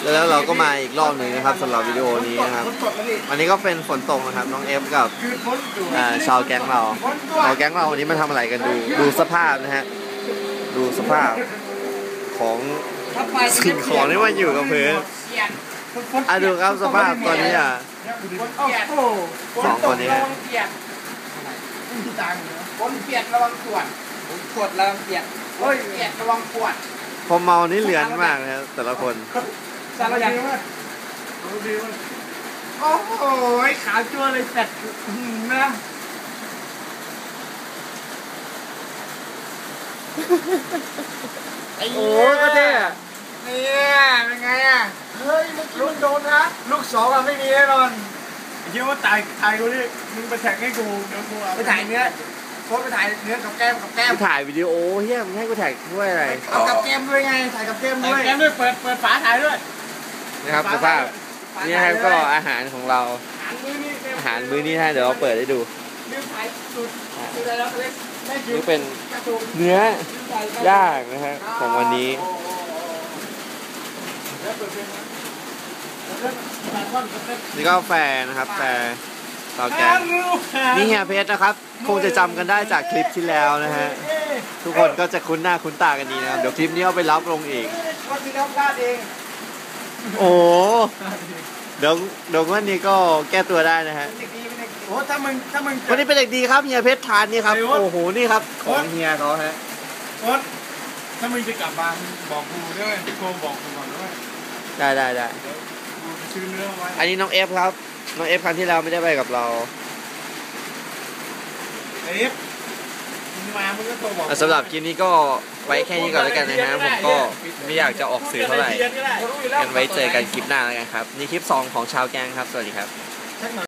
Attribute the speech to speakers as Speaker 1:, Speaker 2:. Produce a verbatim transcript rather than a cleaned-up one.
Speaker 1: แล้วเราก็มาอีกรอบหนึ่งนะครับสำหรับวิดีโอนี้นะครับวันนี้ก็เป็นฝนตกนะครับน้องเอฟกับชาวแก๊งเราชาวแก๊งเราวันนี้มาทำอะไรกันดูดูสภาพนะฮะดูสภาพของสิ่งของที่มันอยู่กับพื้นอ่ะดูครับสภาพตอนนี้อ่ะสองคนนี้ฮะ
Speaker 2: คนเปียกระวังขวดขวดระวังเปียกเฮ้ยเปียกระวังขวด
Speaker 1: พอเมานี่เหลือนมากนะครับแต่ละคน
Speaker 2: สารยันโอ้โหขาวจั่วเลยแสบนะโอ้ยก็เท่เนี่ยเป็นไงอ่ะเฮ้ยลูกโดนนะลูกสองอ่ะไม่มีแน่นอนคิดว่าตายตายกูนี่มึงไปแท็กให้กูเดี๋ยวกูไปถ่ายเนื้อโพสไปถ่ายเนื้อกับแก้มกับแก้ม
Speaker 1: ถ่ายวิดีโอเฮียมึงให้กูถ่ายด้วยอะไร
Speaker 2: เอากับแก้มด้วยไงถ่ายกับแก้มด้วยแก้มด้วยเปิดเปิดฝาถ่ายด้วย
Speaker 1: นะครับสภาพนี่ครับก็อาหารของเราอาหารมื้อนี้ฮะเดี๋ยวเราเปิดให้ดูนี่เป็นเนื้อย่างนะฮะของวันนี้นี่ก็แฟร์นะครับแฟร์เตาแก๊สนี่เฮียเพชรนะครับคงจะจำกันได้จากคลิปที่แล้วนะฮะทุกคนก็จะคุ้นหน้าคุ้นตากันดีนะครับเดี๋ยวคลิปนี้เอาไปรับลงอีกโอ้เดี๋ยวเดี๋ยววันนี้ก็แก้ตัวได้นะฮะ
Speaker 2: โอ้ถ้ามึงถ้ามึง
Speaker 1: วันนี้เป็นเด็กดีครับเฮียเพชรทานนี่ครับโอ้โหนี่ครับของเฮียเขาฮะ
Speaker 2: โอ๊ตถ้ามึงจะกลับบ้านบอกกูด้วยโทรบอกกูก่อนด้วย
Speaker 1: ได้ได้ได้อันนี้น้องเอฟครับน้องเอฟครั้งที่แล้วไม่ได้ไปกับเรา
Speaker 2: เอฟมามึงก็โทรบอก
Speaker 1: สำหรับคลิปนี้ก็ไว้แค่นี้ก่อนแล้วกันนะฮะผมก็ไม่อยากจะออกสื่อเท่าไหร่กันไว้เจอกันคลิปหน้าแล้วกันครับนี่คลิปสองของชาวแกงครับสวัสดีครับ